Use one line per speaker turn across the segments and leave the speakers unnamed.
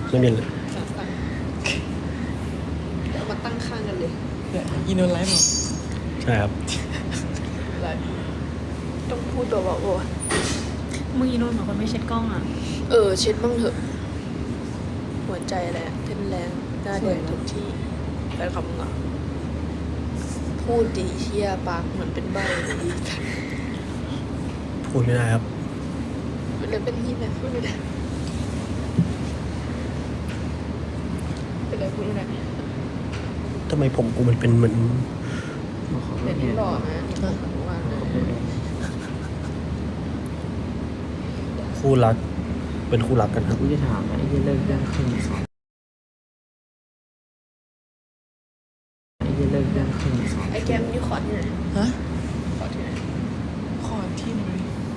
ไม่มีเลย
สั่งเดี๋ยวเอามาตั้งข้างกันเลย
เนี่ยอินโนไลฟ์บอก
ใช่ครับ
อะไรต้องพูดตัวบอกว่า
มึงอีโนนเหมือนคนไม่เช็ดกล้องอ่ะ
เช็ดบ้างเถอะ หัวใจอะไรอะเต้นแรงหน้าแดงทุกที่แฟนคลับมึงอ่ะพูดดีเชี่ยปากเหมือนเป็นใบดี
พูดไม่ได้ครับ
มันเลยเป็นที่แบบพูดไม่ได้เป็นอะไรพูดไม่ได้
ทำไมผมกูมันเป็นเหมือน
เดี๋ยวนี้หล่อนะทุกวันนะ
คู่รัก เป็นคู่รักกันครับ
กูจะถามว่าไอ้ที่เลิกเรื่องครึ่งสองไอ้ที่เลิกเรื่องครึ่งสอง
ไอ้แก้มนี่ขอที่ไหน
ฮะ
ขอที่ไหน
คอร์ดที่ไหน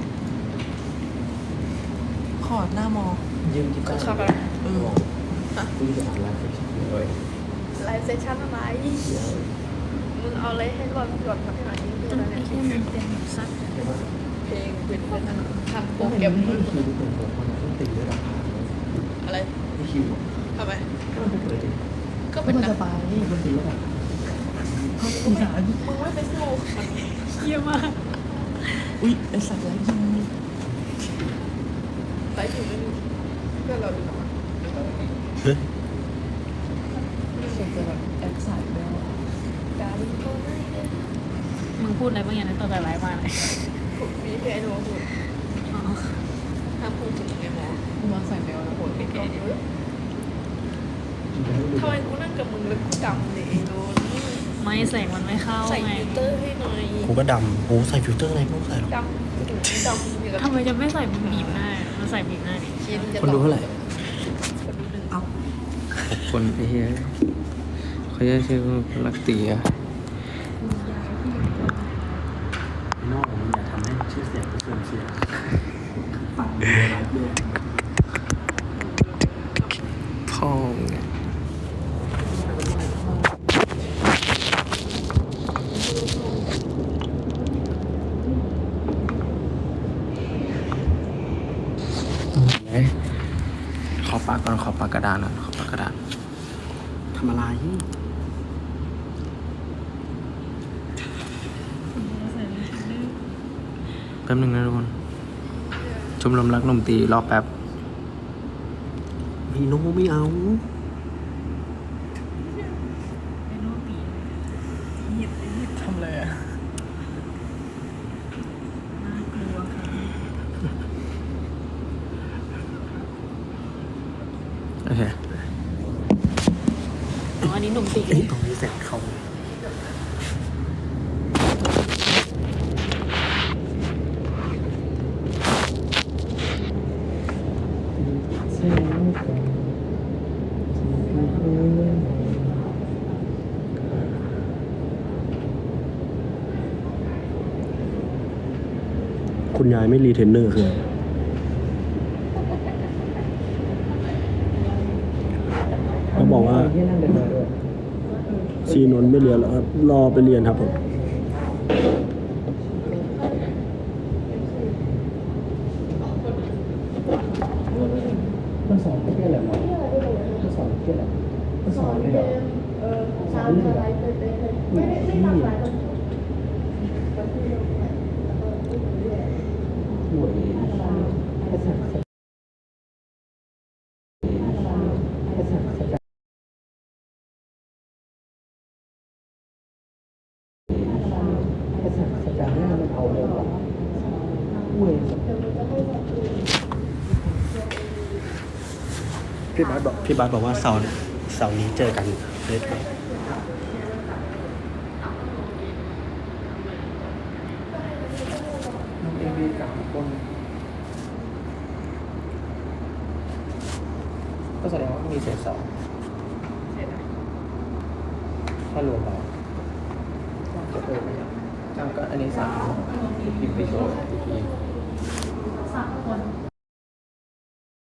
คอร์ดหน้ามอ
ยืมที่บ้าน
เข้าไป
กูจะถามร้านเฟชั่นเลย
ไลฟ์เซสชั่นอะไร มึงเอาอะไรให้ก่อนทำหน่อยนี่คืออะไร
ไอ้
เนี่ย
แค่มันเป็นแบบซัด
เพลงเป็นทำโปรแกรม
คิวเปิดคนต้องตีด้วยราคา
อะไร
ไม่คิว
ทำไม
ก็มันเปิดดิ
ก็เป็น
มัน
นั
จะ
ก
ไป
นี่มันตีด้วยราคา
สงสาร
มึงไม่ไปสู้มัน
เยี่ยมาก
อุ๊ยไอสัตว์ไร้ยิง
ไลฟ์ถึงไม่มีเพื่อนเราดีกว่า
เฮ้ย
ส่วนจะแบบแอคสายแล้ว
ดาวินโก้ไม่ได้
มึงพูดอะไรบางอย่างในตัวแต่ไร้มาเลย
ผมมีเพจโน้ตห้ามพูดถึงในหมอ
กูมาใส่แมวแล้ว
โหดเป็นกองเยอะทำไมกูนั่งกับมึงแล้วกูดำเลยไอ้โน้ต
ไม่แสงมันไม่เข้า
ใส่
ไง
ฟิลเตอร์ให้หน่อย
กูก็ดำกูใส่ฟิลเตอร์อะไรไม่ต้องใส่หรอก
ดำดำอย่างกับ
ทำไมจะไม่ใส่บีบหน้ามันใส่บีบหน้าดิ
ชิ้นจะ
คนดูเท่าไหร่
คนดูหนึ่ง
คนไอ้เหี้ยเขาจะชื่อคนรักตีอะนอกมันอย่าทำให้ชื่อเสียงเสื่อมเสียปัดด้วยพ่อเนี่ยขอปากก่อนขอปากกระดานก่อนขอปากกระดาน
ทำอะไร
แป๊บนึงนะทุกคนชมรมรักหนุ่มตีรอแป๊บ
มีโนไม่เอา
ไอ้โน้ตบีบ
ทำอะไรอ่ะ
น่ากลัวค่ะ
โอเค
อ๋ออันนี้หนุ่มตี
เอ้ยตรงนี้แสงเข้า คุณยายไม่รีเทนเนอร์คืออะไรเขาบอกว่าซีนนท์ไม่เรียนแล้วครับ รอไปเรียนครับผม
มันสอนเพื่ออะไรวะมันสอนเพื่ออะไรมันสอนเลยเหรอสอนเลยเหรอไม่ได้หลากหลายห่วยภาษาภาษาภาษาภาษาภาษาเนี่ยมันเอาเลยว่ะห่วย
พี่บาสบอกว่าเสาร์นี้เจอกันเล่น
น้องเอวีกับคนก็แสดงว่ามีเศษสองถ้ารวมแล้วจะเพิ่มไหมครับก็อันนี้สามพิมพ์ไปโชว์อีกที